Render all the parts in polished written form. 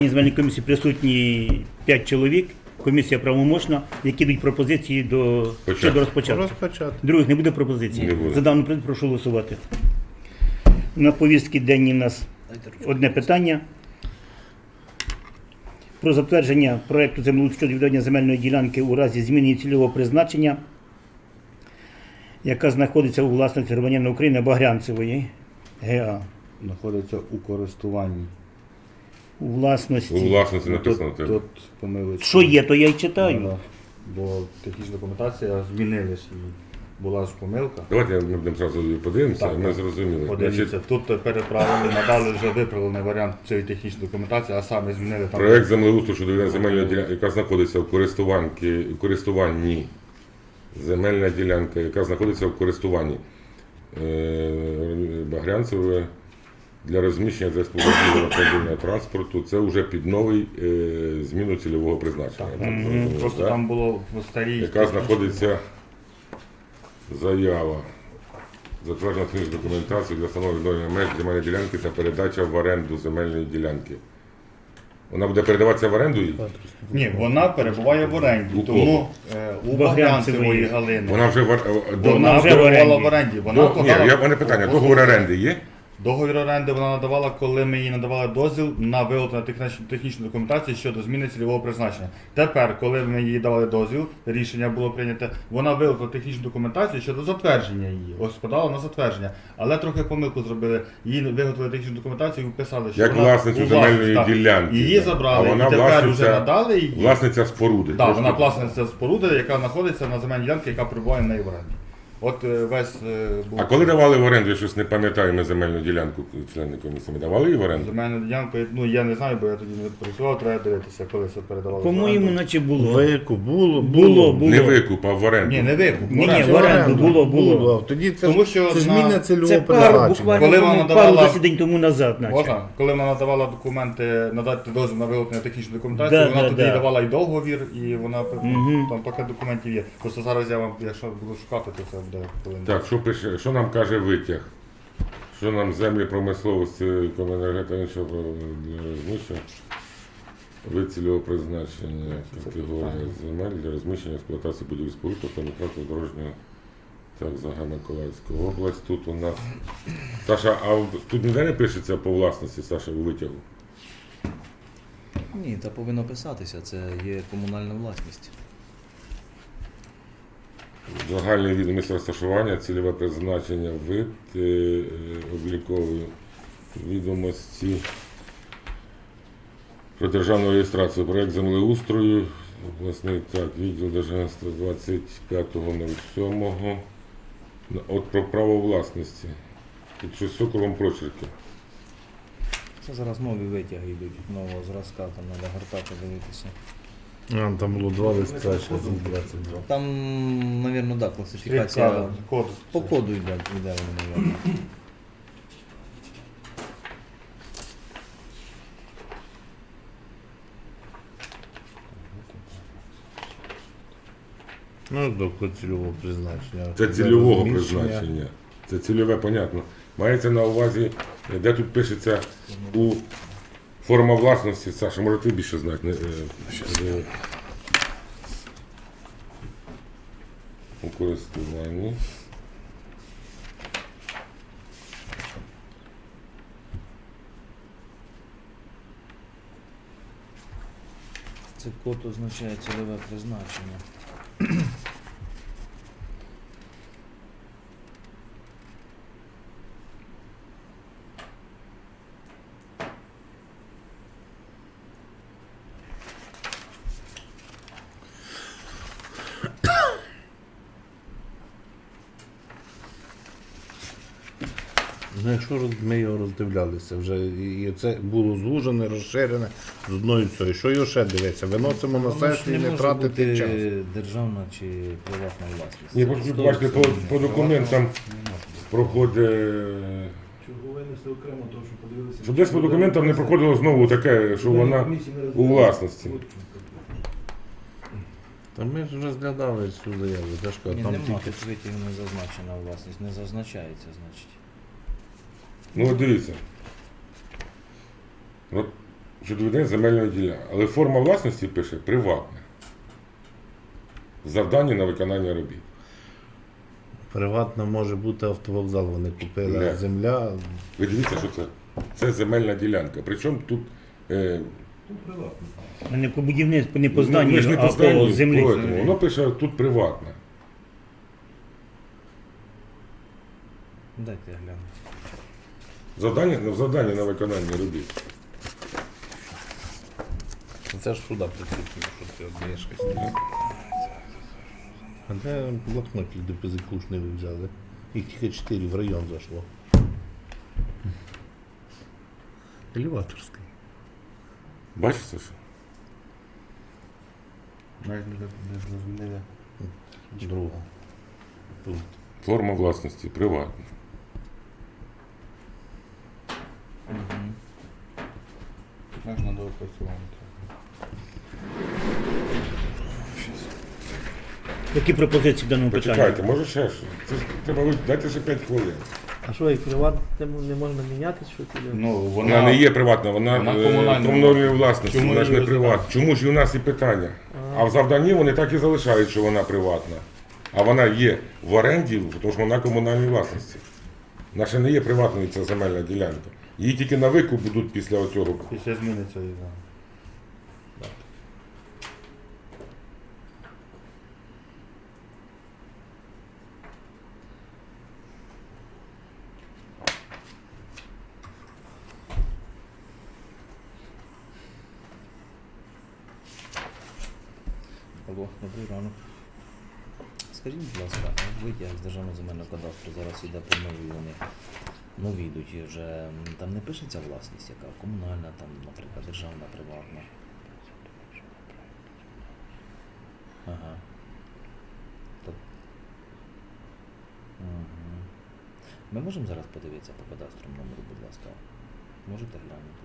В земельній комісії присутні 5 чоловік. Комісія правомочна, які дають пропозиції щодо розпочатку. Других не буде пропозицій. Не буде. За дану пропозицію прошу голосувати. На повістці денній у нас одне питання. Про затвердження проєкту землеустрою щодо відведення земельної ділянки у разі зміни її цільового призначення, яка знаходиться у власності громадянина України Багрянцевої ГА. Знаходиться у користуванні. У власності. У власності написано. Тут помилочка. Що є, то я й читаю. Да. Бо технічна документація змінилась і була ж помилка. Давайте ми будемо одразу подивимося, Так, ми так. зрозуміли. Подивіться, Значить, тут переправили, надали вже виправлений варіант цієї технічної документації, а саме змінили там. проєкт землеустрою щодо відведення земельної ділянки, яка знаходиться в користуванні. Земельна ділянка, яка знаходиться в користуванні Багрянцевої для розміщення та експлуатації автомобільного транспорту. Це вже під новий зміну цільового призначення. Так, зрозуміло, Просто так? там було в старій. Яка знаходиться заява. Затверджена технічна документація для встановлення меж земельної ділянки та передача в оренду земельної ділянки. Вона буде передаватися в оренду? Ні, вона перебуває в оренді, У тому у Багрянцевої Багрянцевої Галини. Вона вже Вона вже в перебувала оренді. в оренді. Ні, Вона подала- в мене питання. Договор оренди є? Договір оренди вона надавала, коли ми їй надавали дозвіл на виготовлення технічної документації щодо зміни цільового призначення. Тепер, коли ми їй давали дозвіл, рішення було прийнято, вона виготовила технічну документацію щодо затвердження її. Ось подала на затвердження. Але трохи помилку зробили. Її виготовили технічну документацію і вписали, що Як вона власницю у земельної так. ділянки. Її так. забрали, А вона і тепер власниця- вже надали її. Власниця споруди. Так, Трошки- вона власниця споруди, яка знаходиться на земельній ділянці, яка перебуває в неї в оренді. От весь був. А коли давали в оренду, я щось не пам'ятаю, ми земельну ділянку, члени комісії, ми давали її в оренду? Земельну ділянку, ну я не знаю, бо я тоді не працював, треба дивитися, коли це передавали. По-моєму, наче було. Викуп, було. Було. Не викуп, а в оренду. Ні, не викуп. Ні, оренду. в оренду було. Тоді це, Тому що це ж на- зміна цільового Це пару, призначення. буквально Коли вона пару давала- засідань тому назад, наче. Можна? Коли вона надавала документи, надати дозвіл на виготовлення технічної документації, Да, вона да, тоді да. давала і договір, і вона там поки документів є. Просто зараз я вам, якщо буду шукати, то це буде хвилин. Так, що пише, що нам каже витяг? Що нам землі промисловості, комуненергетика, іншого розміщення? Вид цільового призначення, категорія земель для розміщення експлуатації будівель споруд та метрати дорожнього. Так, Миколаївська область. Тут у нас. Саша, а тут ніде не пишеться по власності, Саша, у витягу? Ні, та повинно писатися, це є комунальна власність. Загальний від місця розташування, цільове призначення, вид, облікової відомості про державну реєстрацію, проєкт землеустрою, обласний так, відділ Держгенства 25.07. От про право власності. Тут щось з околом прочерки. Це зараз нові витяги йдуть, нового зразка, там треба гортати, дивитися. Там було 2 листа, ще 22. Там, мабуть, да, класифікація Код. по коду йде воно, мабуть. Ну, до цільового призначення. Це цільового Розміщення. призначення. Це цільове, понятно. Мається на увазі, де тут пишеться у форма власності. Саша, може ти більше знати? У користуванні. Це код означає цільове призначення. Ну, якщо ми його роздивлялися вже, і це було звужене, розширене з одною цією. Що його ще дивиться? Виносимо на Воно ж сесію і не може тратити бути час. державна чи приватна власність. Ні, бачите, по документам проходить. Чого винесли окремо, тому що подивилися. Щоб десь по документам не проходило знову таке, що вона у власності. Та ми ж розглядали цю заяву. Я ж кажу, Ні, там нема, тільки тут витяг не зазначена власність, не зазначається, значить. Ну от дивіться. От щодо ведення земельної ділянки. Але форма власності пише приватна. Завдання на виконання робіт. Приватно може бути автовокзал, вони купили, Не. а земля. Ви дивіться, що це? Це земельна ділянка. Причому тут Ну, приватно. Не по будівництву, не по ми зданню, ж не а по по зданню, землі. поэтому воно пише тут приватна. Дайте я гляну. Завдання на виконання робіт. Це ж сюди прикріплено, що ти однієш щось. А де блокнот люди позикушний ви взяли? Їх тільки 4 в район зайшло. Елеваторський. Бачите, що? Навіть не зрозуміли. Друга. Тут. Форма власності приватна. Можна доопрацювати. Які пропозиції в даному питанні? Почекайте, може ще що? Це ж треба дайте ще 5 хвилин. А що, і приватному не можна міняти, що ти? Ну, Вона не є приватна, вона Вона комунальна. комунальної власності, Чому вона ж не її приватна. Чому ж і у нас і питання? А в завданні вони так і залишають, що вона приватна. А вона є в оренді, тому що вона комунальної власності. Наша не є приватною ця земельна ділянка. Її тільки на викуп будуть після оцього. Після зміни цієї. Да. Алло, добрий ранок. Скажіть, будь ласка, витяг з Державного земельного кадастру зараз йде по новій вони. Нові йдуть і вже там не пишеться власність, яка комунальна, там, наприклад, державна, приватна. Ага. Угу. Ми можемо зараз подивитися по кадастру номеру, будь ласка? Можете глянути?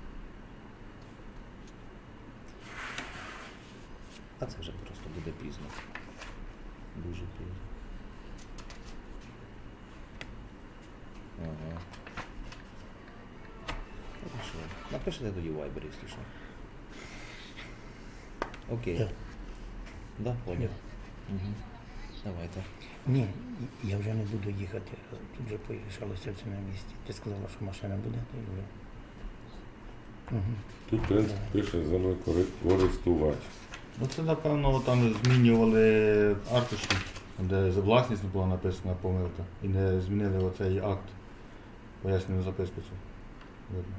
А це вже просто буде пізно. Дуже пізно. Ага. Хорошо. Напишите тоді в Viber, якщо що. Окей. Так. Да, понял. Угу. Давайте. Ні, я вже не буду їхати. Тут вже порішалося це на місці. Ти сказала, що машина буде, то й вже. Угу. Тут принцип пише землекористувач. Ну це напевно там змінювали артиші, де за власність була написана помилка. І не змінили оцей акт. Пояснюю записку цю. Видно.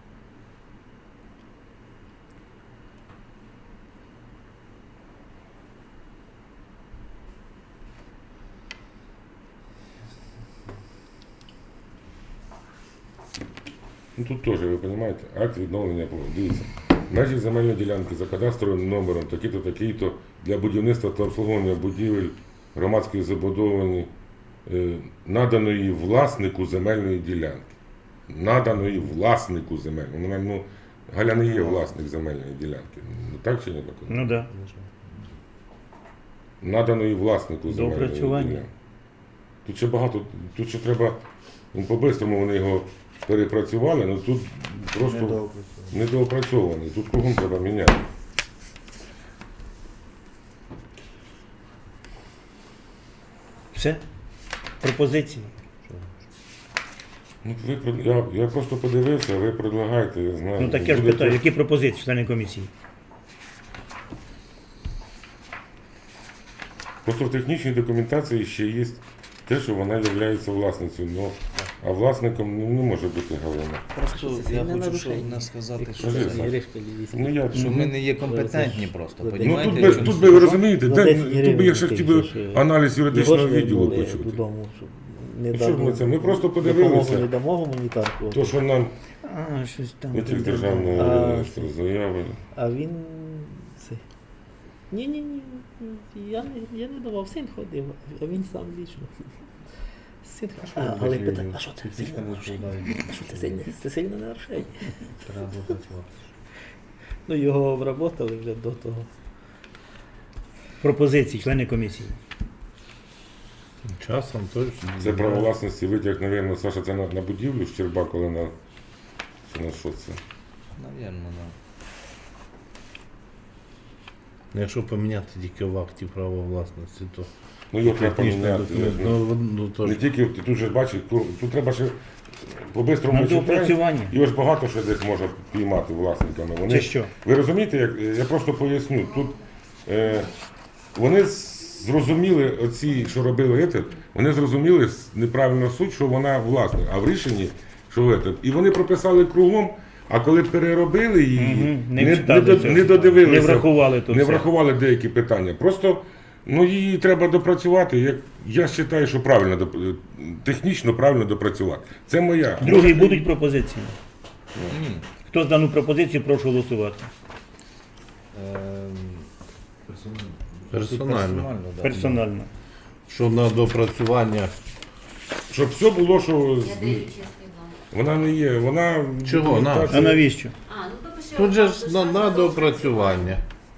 Ну тут теж, ви розумієте, акт відновлення плану. Дивіться. Межі земельної ділянки за кадастровим номером такі-то, такі-то для будівництва та обслуговування будівель громадської забудовані наданої власнику земельної ділянки. Наданої власнику земельної. Вона, ну, Галя не є власник земельної ділянки. Ну, так чи не так? Ну так. Да. Наданої власнику земельної Доопрацювання. ділянки. Тут ще багато, тут ще треба, ну, по-бистрому вони його перепрацювали, але тут просто Недоопрацьовано. недоопрацьований. Тут кругом треба міняти. Все? Пропозиції? Ну, я просто подивився, ви предлагаєте, я знаю. Ну так я ж Будете- питаю, які пропозиції члени комісії? Просто в технічній документації ще є те, що вона є власницею. Ну, а власником не може бути Галина. Просто це я не хочу нарушення. не сказати, що, Скажи, це- Саш. Ну, я, що ми не є компетентні просто. Ну, ну, Понімаєте, тут, в чому тут суть? би, ви розумієте, За де, 10 тут би гривень я ще ти хотів би ж, аналіз юридичного Його ж ви відділу були почути. додому, щоб не Ну, що ж ми це? Ми просто допомогу подивилися. не дамо гуманітарку. То, що нам А, щось там. витяг там, державної А, заяви. А він це. Ні, я не давав, син ходив, а він сам лічно. Син ходив. Але питання, а що це Фізично сильне не нарушення? відповідає. А що це сильне? Це сильне нарушення. Треба допрацювати. Ну його обработали вже до того. Пропозиції, члени комісії. Часом точно. Це право власності витяг, мабуть, Саша, це на будівлю Щерба, коли на, чи на що це? Навірно, да. Якщо поміняти тільки в акті права власності, то Ну його треба технічний поміняти. документ. Ну, то Не ж тільки тут же ж бачиш, тут треба ще по-бистрому На читати. доопрацювання. Його ж багато що десь можна піймати власниками. Вони, Це що? Ви розумієте, я просто поясню. Тут вони зрозуміли, оці, що робили це, вони зрозуміли неправильно суть, що вона власник, а в рішенні, що це. І вони прописали кругом, а коли переробили її, Мгм, не вчитали цього. не додивилися. Не врахували тут Не все. врахували деякі питання. Просто її треба допрацювати. Я вважаю, що правильно, технічно правильно допрацювати. Це моя. Другі будуть пропозиції. Хто за дану пропозицію, прошу голосувати. персонально. Да. Персонально. Що на допрацювання. Щоб все було, що Я даю чесний вам. вона не є. Вона Чого? На. А навіщо? А, ну то пиши. Тут же отак, ж то на допрацювання.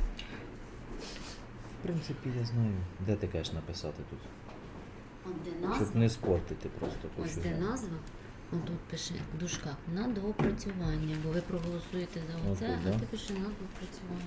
В принципі, я знаю, де ти кажеш написати тут. От де Щоб назва. не спортити просто. Ось хочу де знати. назва. От тут пиши в дужках на доопрацювання, бо ви проголосуєте за От оце, тут, а да? ти пиши на доопрацювання.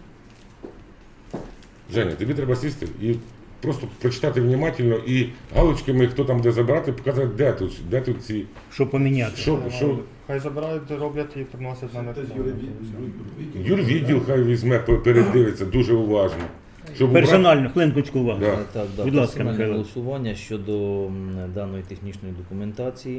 Женя, тобі треба сісти і просто прочитати внимательно і галочками, хто там де забирати, показати, де тут ці. Що поміняти? Що Хай забирають, роблять і приносять на них. юрвідділ хай візьме, передивиться дуже уважно. Щоб Персонально, хвилинку увагу. Да. Так, да, Будь ласка, персональне Михайло. голосування щодо даної технічної документації.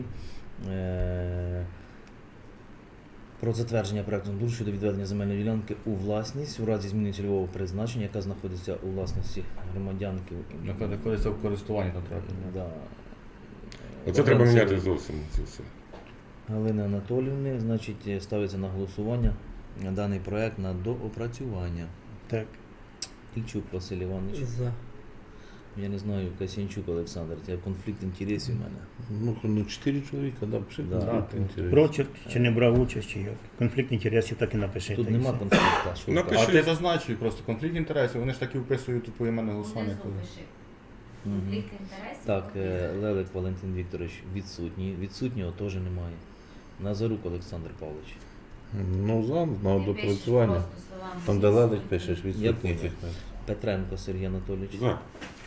Про затвердження проекту НДУР щодо відведення земельної ділянки у власність у разі зміни цільового призначення, яка знаходиться у власності громадянки. Яка знаходиться в користуванні там треба. Да. Оце треба Вакансія міняти зовсім це все. Галини Анатоліївни, значить, ставиться на голосування даний проект на доопрацювання. Так. Ільчук Василь Іванович. За. Я не знаю, Касянчук Олександр, це конфлікт інтересів у мене. Ну, 4 чоловіка, да, пиши Да. конфлікт інтересів. Прочерк, чи не брав участь, чи як. Конфлікт інтересів так і напиши. Тут та й нема все. конфлікту. що Напиши. так. А ти зазначуй просто конфлікт інтересів, вони ж так і вписують тут поіменне голосування. Внизу пиши. Мгм. Конфлікт інтересів. Так, конфлікт. Лелек Валентин Вікторович відсутній. Відсутнього теж немає. Назарук Олександр Павлович. Ну, на Ти пишеш допрацювання. просто словами Там, де відсутні. ледик пишеш, Я відсутній. понял. Петренко Сергій Анатолійович. За.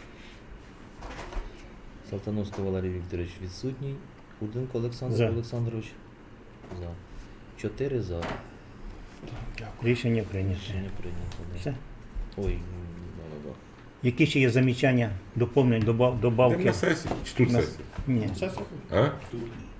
Салтановський Валерій Вікторович відсутній. Курденко Олександр За. Олександрович. За. 4 за. Рішення прийнято. Рішення прийнято. Да. Все. Ой, да. Які ще є замічання, доповнень, Йдемо добавки? на сесію. Чи тут На- сесія? Ні. Зараз А?